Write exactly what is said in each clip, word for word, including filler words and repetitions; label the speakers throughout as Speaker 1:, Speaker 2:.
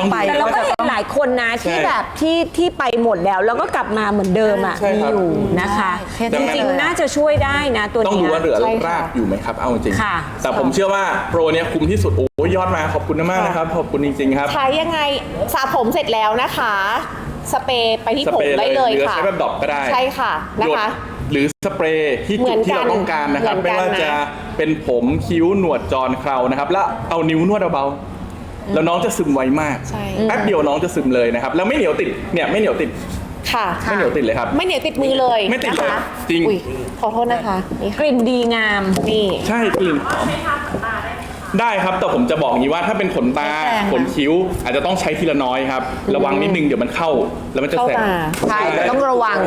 Speaker 1: ไปแต่เราก็เห็นหลายคนนะที่แบบที่ที่ไปหมดแล้วแล้วก็กลับมาเหมือนเดิมอ่ะมีอยู่นะคะจริงๆน่าจะช่วยได้นะตัวนี้
Speaker 2: ต้องดูว่าเหลือรากอยู่ไหมครับเอาจริงแต่ผมเชื่อว่าโปรเนี้ยคุ้มที่สุดโอ้ยอดมาขอบคุณมากนะครับขอบคุณจริงๆครับ
Speaker 3: ใช้ยังไงสระผมเสร็จแล้วนะคะสเปรย์ไปที่ผมได้เลยค่ะ
Speaker 2: ใช้แบบดอกก็ได้
Speaker 3: ใช่ค่ะนะคะ
Speaker 2: หรือสเปรย์ที่จุดที่เราต้องการนะครับไม่ว่าจะเป็นผมคิ้วหนวดจรเครานะครับแล้วเอานิ้วนวดเบาๆแล้วน้องจะซึมไวมากแป๊บเดียวน้องจะซึมเลยนะครับแล้วไม่เหนียวติดเนี่ยไม่เหนียวติด
Speaker 3: ค่ะ
Speaker 2: ไม่เหนียวติดเลยครับ
Speaker 3: ไม่เหนียวติดมือเลย
Speaker 2: ไม่ติดเลยจริง
Speaker 3: ขอโทษนะคะ
Speaker 1: กลิ่นดีงาม
Speaker 3: นี่
Speaker 2: ใช่กลิ่นหอมได้ครับแต่ผมจะบอกอย่างนี้ว่าถ้าเป็นขนตาขนคิ้วอาจจะต้องใช้ทีละน้อยครับระวังนิดนึงเดี๋ยวมันเข้าแล้วมันจะแสบ
Speaker 1: ใช่แต่ต้องระวัง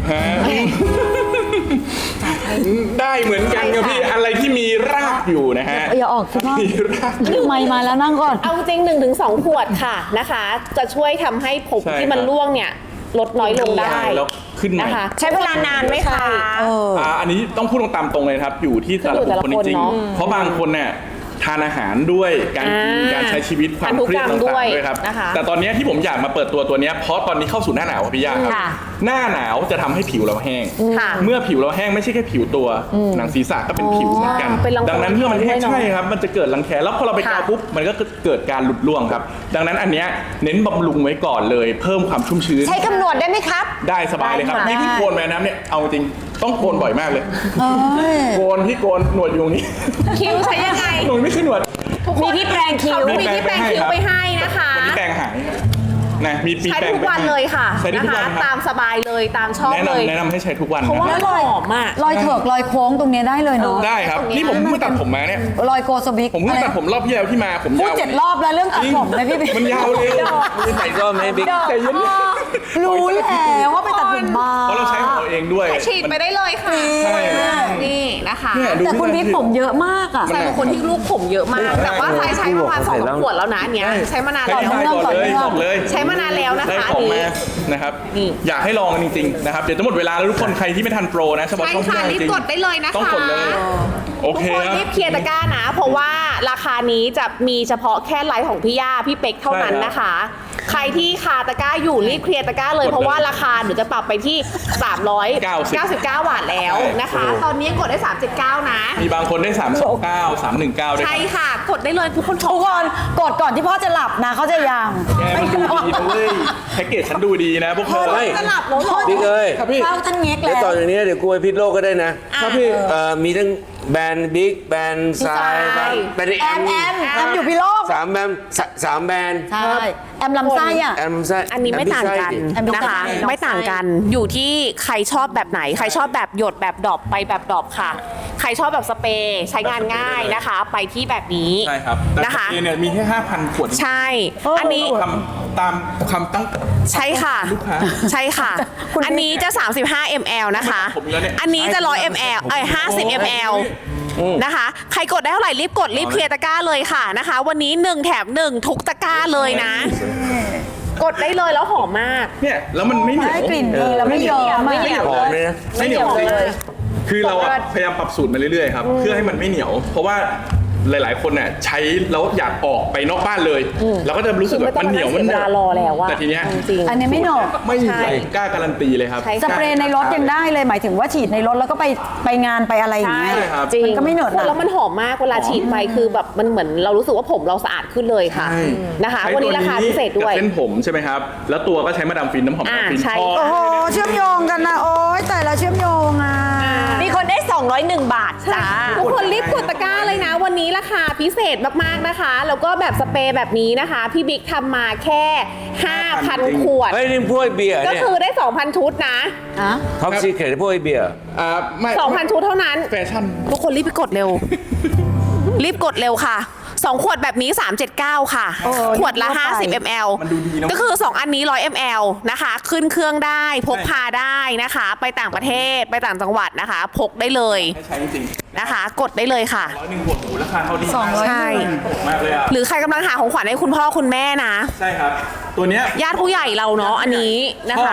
Speaker 2: ได้เหมือนกันครับพี่อะไรที่มีรากอยู่นะฮะ
Speaker 1: อย่าออกสิพ่อดึงไมค์มาแล้วนั่งก่อน
Speaker 3: เอาจริงหนึ่งถึงสองขวดค่ะนะคะจะช่วยทำให้ผมที่มันร่วงเนี่ยลดน้อยลงได้
Speaker 2: แล้วขึ้น
Speaker 3: นะคะ
Speaker 1: ใช้เวลานานไหมคะ
Speaker 2: อันนี้ต้องพูดตามตรงเลยครับอยู่ที่แต่ละบุคคลจริงๆเพราะบางคนเนี่ยทานอาหารด้วยการกินการใช้ชีวิตความเครียดต่างๆด้วยครับแต่ตอนนี้ที่ผมอยากมาเปิดตัวตัวนี้เพราะตอนนี้เข้าสู่หน้าหนาวพี่ย่าครับหน้าหนาวจะทำให้ผิวเราแห้งเมื่อผิวเราแห้งไม่ใช่แค่ผิวตัวหนังศีรษะก็เป็นผิวเหมือนกันดังนั้นเมื่อมันแห้งใช่ครับมันจะเกิดรังแคแล้วพอเราไปกาวปุ๊บมันก็เกิดการหลุดร่วงครับดังนั้นอันนี้เน้นบำรุงไว้ก่อนเลยเพิ่มความชุ่มชื้น
Speaker 1: ใช้กำหนดได้ไหมครับ
Speaker 2: ได้สบายเลยครับนี่พี่โกนแม่น้ำเนี่ยเอาจริงต้องโกนบ่อยมากเลยโกนที่โกนหนวดอยู่ตรงนี้
Speaker 3: คิ้วใช้ยังไง
Speaker 2: หนวดไม่ใช่หนวด
Speaker 1: มีที่แปรงคิ้ว
Speaker 3: มีที่แปรงคิ้วไปให้นะคะ
Speaker 2: วันนี้แปรงหายนะมี
Speaker 3: ใช้ทุกวันเลยค่ะนะคะตามสบายเลยตามชอบเลย
Speaker 2: แนะนำให้ใช้ทุกวัน
Speaker 3: เพราะว่าหอมอ่ะ
Speaker 1: รอยเถิกรอยโค้งตรงนี้ได้เลยเนาะ
Speaker 2: ได้ครับนี่ผมเพิ่งตัดผมมาเนี่ย
Speaker 1: รอยโกสบิก
Speaker 2: ผมเพิ่งตัดผมรอบที่แล้วที่มาผม
Speaker 1: พูดเจ็ดรอบแล้วเรื่องตัดผมนะพี่
Speaker 2: มันยาวเลย
Speaker 4: ไม่ใส่ก็ไม่บิ๊ก
Speaker 2: แต่ยัน
Speaker 1: รู้แล้วว่าไปตัดผมมา
Speaker 2: เพราะเราใช้ของเราเองด้วย
Speaker 3: ฉีดไปได้เลยค่ะนี่นะคะ
Speaker 1: แต่คุณบิ๊กผมเยอะมากอ่ะ
Speaker 3: ใช่คนที่ลูกผมเยอะมากแต่ว่าใช้ใช้ประมาณสองขวดแล้วนะเนี้ยใช้มานานแล้วใช้มานานแล้วนะคะ
Speaker 2: นี่นะครับอยากให้ลองกันจริงๆนะครับเดี๋ยวจะหมดเวลาแล้วทุกคนใครที่ไม่ทันโปรนะเฉพาะช่องที่
Speaker 3: รีบกดได้เลยนะคะ
Speaker 2: ต้องกดเลยโอเค
Speaker 3: ทุกคนรีบเคลียร์ตะกร้านะเพราะว่าราคานี้จะมีเฉพาะแค่ไลฟ์ของพี่ย่าพี่เป็กเท่านั้นนะคะใครที่คาตะกร้าอยู่รีบเคลียร์ตะกร้าเลยเพราะว่าราคาหนูจะปรับไปที่สามร้อยเก้าสิบเก้าบาทแล้วนะคะตอนนี้กดได้สามสิบเก้านะ
Speaker 2: มีบางคนได้สามสิบเก้า สามสิบเก้าด้วย
Speaker 3: ใช่ค่ะกดได้เลยทุกคน
Speaker 1: ทุกคนกดก่อนที่พ่อจะหลับนะเขาจะยัง
Speaker 2: ไม่ดูดีเลยแพ็กเกจฉันดูดีนะพวกเธอ
Speaker 3: จะหลับแล้วหรอ
Speaker 4: บิ๊กเอ้ย
Speaker 1: เข้าท่านเง็กแล้ว
Speaker 4: เดี๋ยวต่อจากนี้เดี๋ยวกูไปพิษโลกก็ได้นะครับพี่มีทั้งแบรนด์บิ๊กแบรนด์ทรายแบรนด์
Speaker 1: แอมแอมแอมอยู่พิโลก
Speaker 4: สามแบรนด์สามแบรนด์
Speaker 1: ใช่แอมลำไส้อ่ะ
Speaker 4: แอมลำไส้
Speaker 3: อันนี้ไม่ต่างกันนะคะไม่ต่างกันอยู่ที่ใครชอบแบบไหนใครชอบแบบหยดแบบดรอปไปแบบดรอปค่ะใครชอบแบบสเปรย์ใช้งานง่ายนะคะไปที่แบบนี้
Speaker 2: ใช่ครับนะคะเนี่ยมีแค่ห้าพันขวด
Speaker 3: ใช่อันนี้
Speaker 2: ตามคำตั้ง
Speaker 3: ใช่ค่ะใช่ค่ะอันนี้จะสามสิบห้ามิลลิลิตรนะคะอันนี้จะหนึ่งร้อยมิลลิลิตรเอ้ยห้าสิบมิลลิลิตรนะคะใครกดได้เท่าไหร่รีบกดรีบเคลียร์ตะกร้าเลยค่ะนะคะวันนี้หนึ่งแถมหนึ่งทุกตะกร้าเลยนะกดได้เลยแล้วหอมมาก
Speaker 2: เนี่ยแล้วมันไม่เหนียว
Speaker 1: กลิ่นดีแล้วไม่เยอะ
Speaker 3: ไม่เหนียว
Speaker 4: หอมเลยนะ
Speaker 2: ไม่เหนียวเลยคือเราพยายามปรับสูตรมาเรื่อยๆครับเพื่อให้มันไม่เหนียวเพราะว่าหลายๆคนเนี่ยใช้แล้วอยากออกไปนอกบ้านเลยแล้วก็จะรู้สึกแบบมันเหนียวมัน
Speaker 3: เวลารอแล้วว่า
Speaker 2: แต่ทีเนี้ย
Speaker 1: อันนี้ไม่หนก
Speaker 2: ไม่ใช่กล้าการันตีเลยครับ
Speaker 1: สเปรย์ในรถยังได้เลยหมายถึงว่าฉีดในรถแล้วก็ไปไปงานไปอะไรอย่างเงี้ย
Speaker 3: จริง
Speaker 1: ก็ไม่เหนอะ
Speaker 3: แล้วมันหอมมากเวลาฉีดไปคือแบบมันเหมือนเรารู้สึกว่าผมเราสะอาดขึ้นเลยค่ะนะคะวันนี้ราคาพิเศษด้วย
Speaker 2: เส้นผมใช่ไหมครับแล้วตัวก็ใช้มาดามฟินน้ำหอมมาดามฟิน
Speaker 1: โอ้โหเชื่อมโยงกันนะโอ้ยแต่ละเชื่อมโยงอ่ะมีคนได้สองร้อยเอ็ดบาทจ้า
Speaker 3: ทุกคนรีบกดตะกร้าเลยนะวันนี้ราคาพิเศษมากๆนะคะแล้วก็แบบสเปรย์แบบนี้นะคะพี่บิ๊กทำมาแค่ ห้าพัน ขวด
Speaker 4: เฮ้ยนี่พวกเบียร์
Speaker 3: ก็คือได้ สองพัน ชุดนะ
Speaker 4: ท็อปซีเคทพวกเบียร์
Speaker 2: อ่าไม่
Speaker 3: สองพัน ชุดเท่านั้น
Speaker 2: แฟชั่น
Speaker 3: ทุกคนรีบไปกดเร็วรีบกดเร็วค่ะสองขวดแบบนี้สามร้อยเจ็ดสิบเก้าค่ะขวดละห้าสิบมิลลิลิตรก็คือสองอันนี้หนึ่งร้อยมิลลิลิตรนะคะขึ้นเครื่องได้พกพาได้นะคะไปต่างประเทศไปต่างจังหวัดนะคะพกได้เลย
Speaker 2: ใช้จริง
Speaker 3: นะคะกดได้เลยค่ะ
Speaker 2: ร้อยหนึ่งขวดหมูราคาเท่าดี
Speaker 3: ใช่
Speaker 2: มากเลยอ่ะ
Speaker 3: หรือใครกำลังหาของขวัญให้คุณพ่อคุณแม่นะ
Speaker 2: ใช่ครับตัวเนี้ย
Speaker 3: ญาติผู้ใหญ่เราเนาะอันนี้นะคะ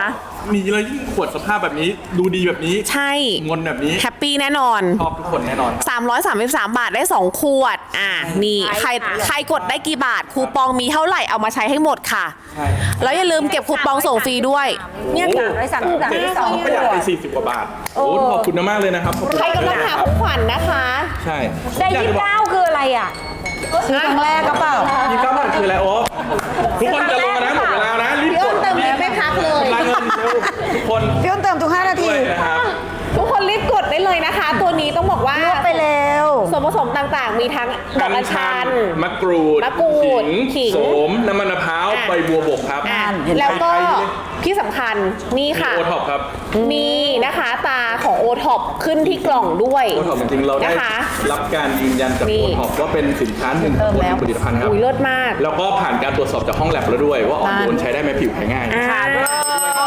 Speaker 2: มีแล้วยิ่งขวดสภาพแบบนี้ดูดีแบบนี้
Speaker 3: ใช่
Speaker 2: งนแบบนี้
Speaker 3: แฮปปี้แน่นอน
Speaker 2: ชอบทุกคนแน่นอนครับ
Speaker 3: สามร้อยสามสิบสาม บาทได้ สอง ขวด อ่า นี่ ใคร ใครกดได้กี่บาท คูปองมีเท่าไหร่ เอามาใช้ให้หมดค่ะ
Speaker 2: ใช่
Speaker 3: แล้วอย่าลืมเก็บคูปองส่งฟรีด้วย
Speaker 1: เนี่ยสามร้อยสามสิบสามที่สอง
Speaker 2: ประหยัดไปสี่สิบกว่าบาทโอ้ขอบคุณมากเลยนะครับขอบคุณ
Speaker 3: ใครกำลังหาของขวัญนะคะ
Speaker 2: ใช่
Speaker 1: ได้ยี่สิบเก้าคืออะไรอ่ะซื้อครั้งแรกก็เปล่า
Speaker 2: ยี่สิบเก้าบาทคืออะไรโอ๊คทุกคนจะลงมานะหมดเวลานะรีบกด
Speaker 3: เติมเงินไม่พักเลย
Speaker 2: รายเงินเร็วทุกคน
Speaker 1: พี่อ้นเติมทุกห้านาที
Speaker 2: ด้วยนะครับ
Speaker 3: ทุกคนรีบกดได้เลยนะคะ ตัวนี้ต้องบอกว่า
Speaker 1: ลวกไปแล้ว
Speaker 3: ส่วนผสมต่างๆ มีทั้งดอกอัญชัน
Speaker 2: มะกรูด
Speaker 3: มะกรูดขิง
Speaker 2: โสมน้ำมันมะพร้าว
Speaker 3: อ่ะ
Speaker 2: ใบบัวบกครับ
Speaker 3: อ่ะ
Speaker 1: เห็นไหม
Speaker 3: แล้วก็ที่สำคัญนี่ค่ะ
Speaker 2: โอท็อปครับ
Speaker 3: มีนะคะตาของโอท็อปขึ้นที่กล่องด้วย
Speaker 2: โอท็อปจริงๆเราได้
Speaker 3: นะคะ
Speaker 2: รับการยืนยันจาก
Speaker 3: นี่
Speaker 2: โอท็อปว่าเป็นสินค้าหนึ่งของผลิตภัณฑ์ครับ
Speaker 3: อุ้ยเลิศมาก
Speaker 2: แล้วก็ผ่านการตรวจสอบจากห้องแลบแล้วด้วย ว่าออกโดนใช้ได้ไหมผิวแพ้ง่าย
Speaker 3: อ่า